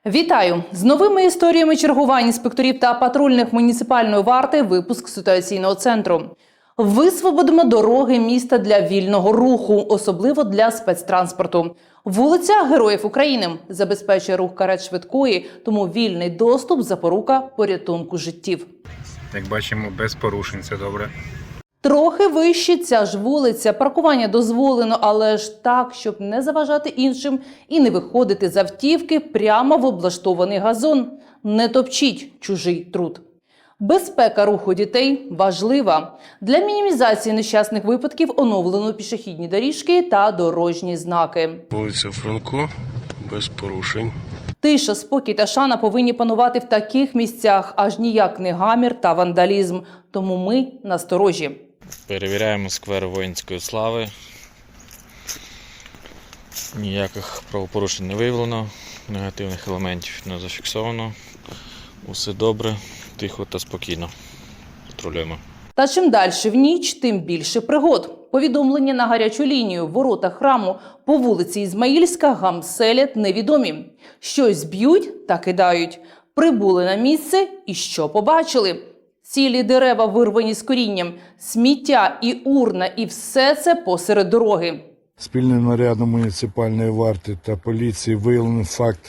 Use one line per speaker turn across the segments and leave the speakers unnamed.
Вітаю! З новими історіями чергувань інспекторів та патрульних муніципальної варти випуск ситуаційного центру. Висвободимо дороги міста для вільного руху, особливо для спецтранспорту. Вулиця Героїв України забезпечує рух карет швидкої, тому вільний доступ – запорука порятунку життів.
Як бачимо, без порушень, це добре.
Трохи вище ця ж вулиця. Паркування дозволено, але ж так, щоб не заважати іншим і не виходити з автівки прямо в облаштований газон. Не топчіть чужий труд. Безпека руху дітей важлива. Для мінімізації нещасних випадків оновлено пішохідні доріжки та дорожні знаки.
Вулиця Франко, без порушень.
Тиша, спокій та шана повинні панувати в таких місцях, аж ніяк не гамір та вандалізм. Тому ми насторожі.
Перевіряємо сквер Воїнської слави. Ніяких правопорушень не виявлено, негативних елементів не зафіксовано. Усе добре, тихо та спокійно. Патрулюємо.
Та чим далі в ніч, тим більше пригод. Повідомлення на гарячу лінію, ворота храму по вулиці Ізмаїльська гамселять невідомі. Щось б'ють та кидають. Прибули на місце і що побачили? Цілі дерева вирвані з корінням, сміття і урна, і все це посеред дороги.
Спільним нарядом муніципальної варти та поліції виявлений факт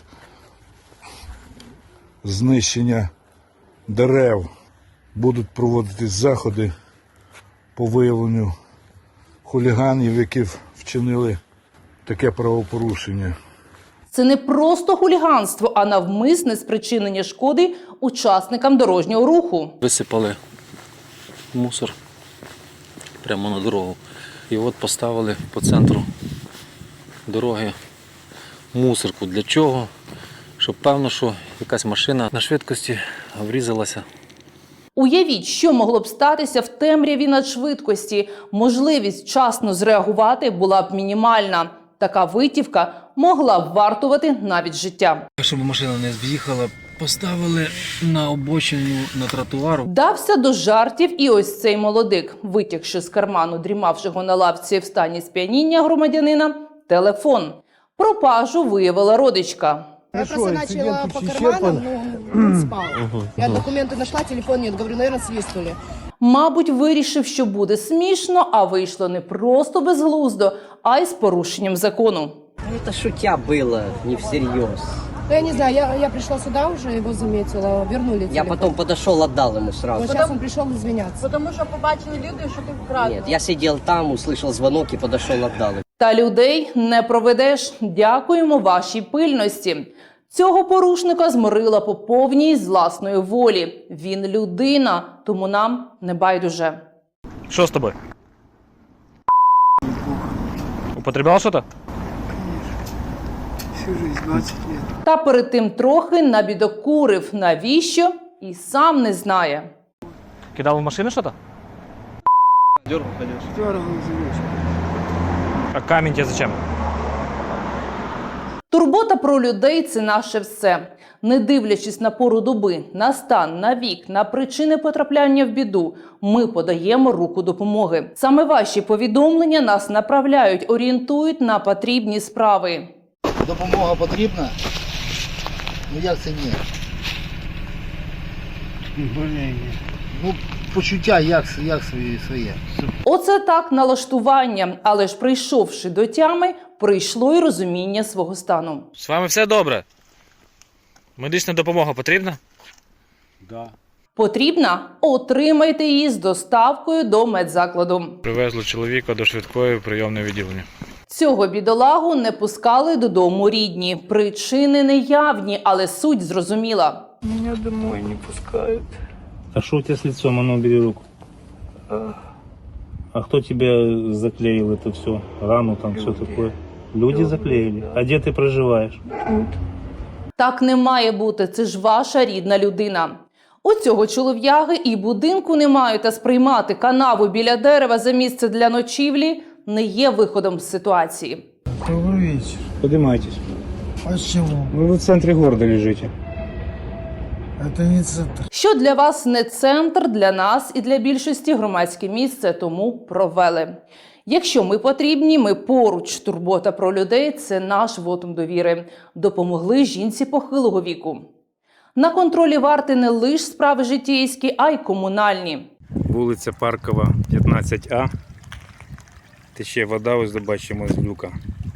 знищення дерев. Будуть проводитись заходи по виявленню хуліганів, які вчинили таке правопорушення.
Це не просто хуліганство, а навмисне спричинення шкоди учасникам дорожнього руху.
Висипали мусор прямо на дорогу. І от поставили по центру дороги мусорку. Для чого? Щоб певно, що якась машина на швидкості врізалася.
Уявіть, що могло б статися в темряві надшвидкості. Можливість вчасно зреагувати була б мінімальна. Така витівка могла б вартувати навіть життя.
Щоб машина не з'їхала, поставили на обочину на тротуару.
Вдався до жартів і ось цей молодик, витягши з карману дрімавшого на лавці в стані сп'яніння громадянина, телефон. Пропажу виявила родичка.
Я просто начала по карманам, но он спал. Я документы нашла, телефон нет. Говорю, наверное, свистнули.
Мабуть, вирішив, що буде смішно, а вийшло не просто безглуздо, а й з порушенням закону.
Это шутя было, не всерьез.
Я не знаю, я пришла сюда уже, его заметила, вернули телефон.
Я потом подошел, отдал ему сразу.
Вот сейчас он пришел извиняться.
Потому що побачили люди, що ти вкрав.
Нет, я сидел там, услышал звонок и подошел, отдал ему.
Та людей не проведеш. Дякуємо вашій пильності. Цього порушника зморила по повній з власної волі. Він людина, тому нам не байдуже.
Что с тобой? Употреблял что-то?
Всю жизнь, 20 лет.
Та перед тим трохи набідокурив. Навіщо? І сам не знає.
Кидал в машину что-то?
Дергал за ручку.
А камень тебе зачем?
Турбота про людей – це наше все. Не дивлячись на пору доби, на стан, на вік, на причини потрапляння в біду, ми подаємо руку допомоги. Саме ваші повідомлення нас направляють, орієнтують на потрібні справи.
Допомога потрібна? Ну як це ні? Ну, почуття як своє.
Оце так налаштування, але ж прийшовши до тями, прийшло й розуміння свого стану.
З вами все добре? Медична допомога потрібна?
Да.
Потрібна? Отримайте її з доставкою до медзакладу.
Привезли чоловіка до швидкої прийомної відділення.
Цього бідолагу не пускали додому рідні. Причини неявні, але суть зрозуміла.
Меня домой не пускают.
А что у тебя с лицом? А ну, убери руку. А кто тебя заклеил это все? Рану там, все такое? Люди заклеили? А где ты проживаешь?
Тут.
Так не має бути, це ж ваша рідна людина. У цього чолов'яги і будинку немає, та сприймати канаву біля дерева за місце для ночівлі не є виходом з ситуації.
Добрый вечер.
Поднимайтесь.
Почему?
Вы в центре города лежите.
Это не центр.
Що для вас не центр, для нас і для більшості громадське місце, тому провели. Якщо ми потрібні, ми поруч. Турбота про людей – це наш вотум довіри. Допомогли жінці похилого віку. На контролі варти не лише справи житейські, а й комунальні.
Вулиця Паркова, 15А. Тече вода, ось бачимо з люка.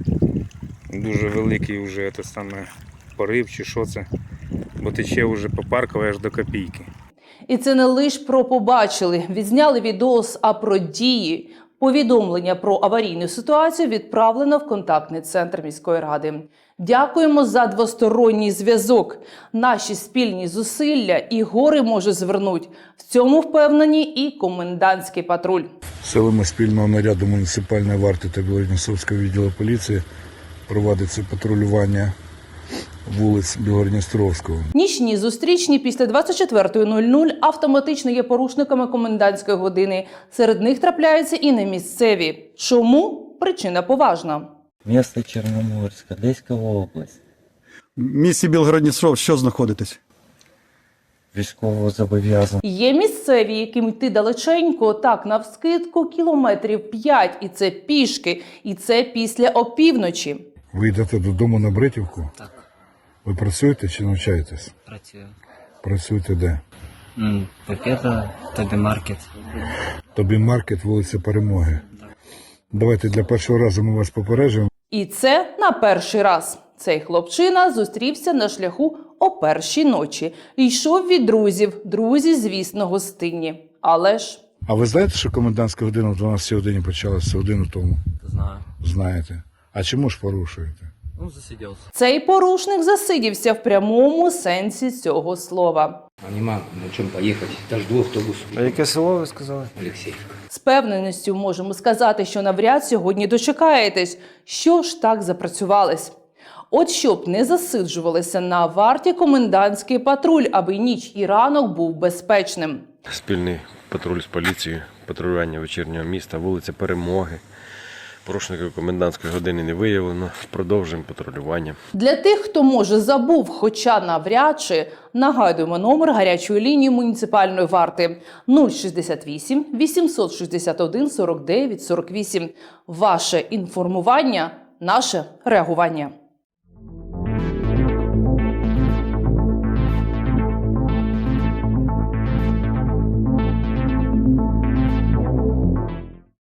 Дуже великий вже те саме порив чи що це. Бо тече вже по Парковій аж до Копійки.
І це не лише про побачили, відзняли відос, а про дії. Повідомлення про аварійну ситуацію відправлено в контактний центр міської ради. Дякуємо за двосторонній зв'язок. Наші спільні зусилля і гори може звернуть. В цьому впевнені і комендантський патруль.
Силами спільного наряду муніципальної варти та Білгородністровського відділу поліції проводиться патрулювання вулиць Білгородністровського.
Нічні зустрічні після 24:00 автоматично є порушниками комендантської години. Серед них трапляються і не місцеві. Чому? Причина поважна.
Місто Чорноморська, Одеська область.
В місті Білгород-Дністровськ що знаходитесь?
Військово зобов'язаний.
Є місцеві, яким йти далеченько, так, навскидку, кілометрів 5, і це пішки, і це після опівночі.
Ви йдете додому на Бритівку?
Так,
Ви працюєте чи навчаєтесь?
працюю.
Працюєте де?
Пакета, тобі маркет.
Тобі маркет, вулиця Перемоги. Давайте для першого разу ми вас попереджуємо.
І це на перший раз. Цей хлопчина зустрівся на шляху о першій ночі. Йшов від друзів. Друзі, звісно, гостинні. Але ж...
А ви знаєте, що комендантська година в 12 годині почалася годину тому?
Знаю.
Знаєте. А чому ж порушуєте?
Ну, засидівся.
Цей порушник засидівся в прямому сенсі цього слова.
А нема на чому поїхати. Та жду автобус.
А яке село ви сказали?
Олексіївка.
З певненістю можемо сказати, що навряд сьогодні дочекаєтесь. Що ж так запрацювались? От щоб не засиджувалися на варті комендантський патруль, аби ніч і ранок був безпечним.
Спільний патруль з поліцією, патрулювання вечірнього міста, вулиця Перемоги. Порушників комендантської години не виявлено. Продовжуємо патрулювання.
Для тих, хто, може, забув, хоча навряд чи, нагадуємо номер гарячої лінії муніципальної варти 068 861 49 48. Ваше інформування – наше реагування.